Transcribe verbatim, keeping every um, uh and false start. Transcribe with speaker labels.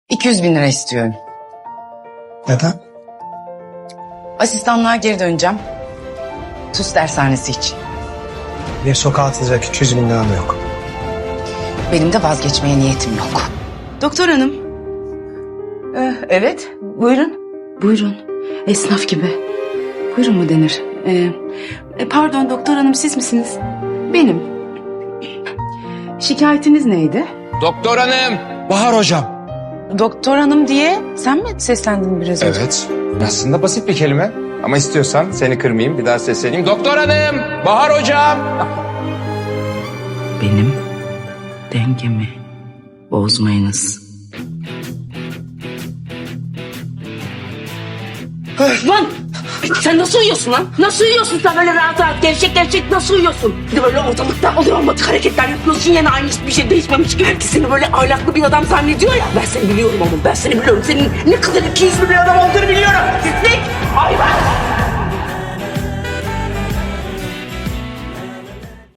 Speaker 1: iki yüz bin lira istiyorum.
Speaker 2: Neden?
Speaker 1: Asistanlığa geri döneceğim. TUS dershanesi için.
Speaker 2: Bir sokağa atılacak iki yüz bin liram yok.
Speaker 1: Benim de vazgeçmeye niyetim yok. Doktor hanım. Ee, evet, buyurun. Buyurun. Esnaf gibi. Buyurun mu denir? Ee, e, pardon doktor hanım, siz misiniz? Benim. Şikayetiniz neydi?
Speaker 3: Doktor hanım.
Speaker 2: Bahar hocam.
Speaker 1: Doktor hanım diye sen mi seslendin biraz önce?
Speaker 3: Evet. Aslında basit bir kelime. Ama istiyorsan seni kırmayayım, bir daha sesleneyim. Doktor hanım. Bahar hocam.
Speaker 1: Benim dengemi bozmayınız.
Speaker 4: Lan sen nasıl uyuyorsun lan? Nasıl uyuyorsun sen böyle rahat rahat gevşek gevşek nasıl uyuyorsun? Bir de böyle ortalıkta oluyor olmadık hareketler yapıyorsun, yine aynı hiçbir şey değişmemiş gibi. Herkes seni böyle ahlaklı bir adam zannediyor ya. Ben seni biliyorum oğlum, ben seni biliyorum. Senin ne kadar ikiyüzlü bir adam olduğunu biliyorum. Ne